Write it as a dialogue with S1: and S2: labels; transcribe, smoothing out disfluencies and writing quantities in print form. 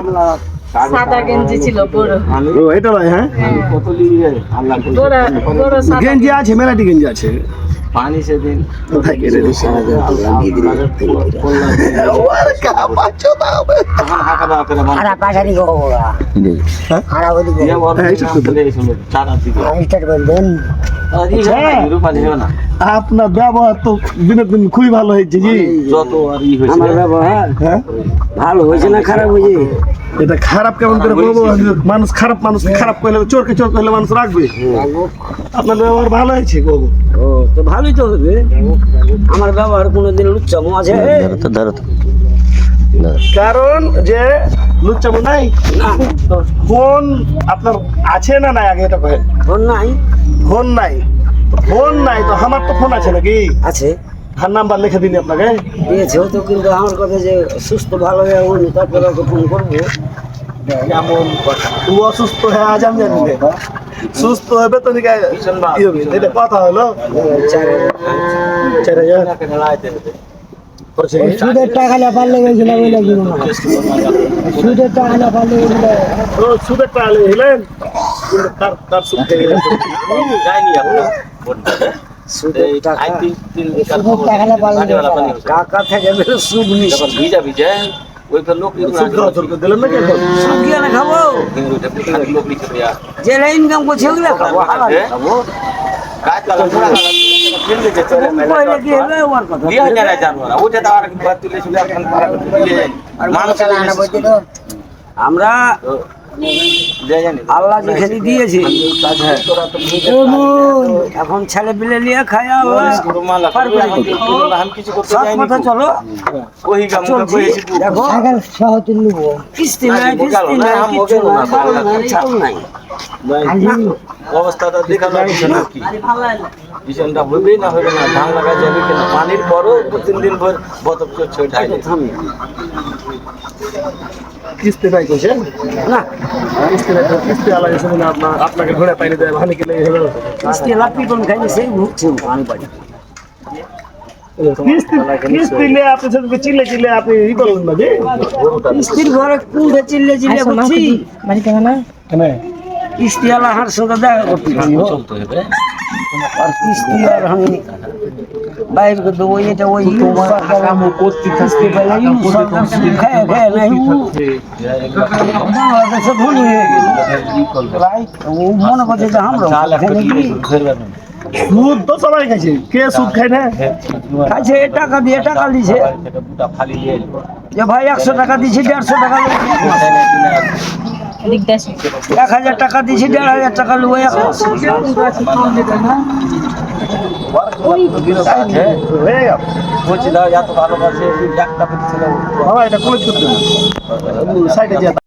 S1: সাদা গেঞ্জি ছিল বড়।
S2: ও এটা ভাই, হ্যাঁ
S1: বড় সাদা
S2: গেঞ্জি আছে, মেলাটি গেঞ্জি আছে।
S3: পানি সেদিন
S2: কোথায় কেড়ে দিছে?
S4: Ada pasar di Goa. Ada apa di Goa? Istirahat benden.
S2: আপনার ব্যবহার তো দিনের দিন খুবই ভালো হয়েছে জি।
S3: যত আর ই হয়েছে
S4: আমার ব্যবহার
S2: হ্যাঁ,
S4: ভালো হয়েছে না খারাপ হয়েছে?
S2: এটা খারাপ কেমন করে বলবো? মানুষ খারাপ, মানুষ খারাপ করলে, চোরকে চোর করলে মানুষ রাখবে। আপনার ব্যবহার ভালো হয়েছে গো।
S4: ও তো ভালোই তো হবে। আমার ব্যবহার কোনোদিন লুচ্চামো আছে?
S2: কারণ যে লুচ্চামো নাই, ফোন আপনার আছে না নাই আগে এটা কহেন।
S4: ফোন নাই?
S2: ফোন নাই, ফোন নাই তো আমার তো ফোন আছে নাকি?
S4: আছে,
S2: আর নাম্বার লিখে দিন আপনাকে।
S4: দিয়েছে তো, কিন্তু আমার কথা যে সুস্থ ভালো হয়ে উনি তারপরে ওকে ফোন করবো।
S2: এমন কথা, তুই অসুস্থ হয়ে আজ আমি জানি না। সুস্থ হবে তো নাকি এটা কথা হলো। 4000
S4: সুদের টাকা না পারলে গেছিলাম ওই লাগবে না। সুদের টাকা না পারলে
S2: তো সুদের টাকা হলেন, কিন্তু তার সুদ খেয়ে গেলেন।
S3: যায়নি এখন
S4: সুদের টাকা না পারলে কাকা থেকে বেরো সুদ নিস।
S3: ভিজা ভিজা ওই তো লোক
S2: সুদ খাওয়া শুরু করে দিলেন নাকি এখন?
S4: সুদ গিয়ে না খাবো,
S3: লোক লিখে দেয়া
S4: যে ইনকাম করছে ওগুলো খাবো, হালাল খাবো।
S3: কাজ কালা পুরা কালা কিনলে যে চলে
S4: পয়লা কি হবে ওর কথা?
S3: দিয়া যায় জানো না ওটা তো আর কি বাদ তুলে চলে এখন পারা করে দিলে যায় মানুষ
S4: আনা বলতে তো আমরা আল্লাহ যেখানে দিয়েছে এখন ছেলে পিলে নিয়ে খায় আল্লাহ পার করে দিবে। সব কথা চলো দেখো, কিস্তি নাই, কিস্তি নাই, কিচ্ছু নাই, বাল নাই, চাল নাই।
S3: অবস্থাটা দেখা যাচ্ছে না কি ভীষণটা হইবেই না হইবে না, ধান লাগা যাবে কিনা পানির পরও 2-3 দিন ভর বতক ছোট
S2: কিস্তি নাই কইছে
S4: না,
S2: কিস্তি নাই, কিস্তি আলাদা শুনে না আপনাকে ঘোড়া পাইনি দেয় ভানি কি লেগে হলো।
S4: কিস্তি লাপি কোন খাইনি সেই ভুগছে আমি বাড়ি।
S2: কিস্তি নিয়ে আপনি সবকে চিল্লে চিল্লে আপনি ই করলেন না যে
S4: কিস্তির ঘরে কুঁড়ে চিল্লে চিল্লে বলছি
S2: কেন
S4: কিস্তি আলা হার সঙ্গে দেখা করতে
S3: চলতে হবে
S4: আর কিস্তি আর আমি বাইরে করতে ওই এটা ওই কিস্তি পেলে সরকার খায় খায় নাই বাংলাদেশে ধনী হয়ে গেছে। ও মনে করছে যে আমরা
S2: সুদ তো সবাই খাইছে, কে সুদ খায় না?
S4: খাইছে, টাকা দিয়ে টাকা দিছে যে ভাই 100 টাকা দিছি 150 টাকা 1000 টাকা দিছি 1500 টাকা লুয়ে এখন
S3: বলছি দাও এত ভালোবাসে একটা ছিল
S2: বাবা এটা কলেজ করতে সাইডে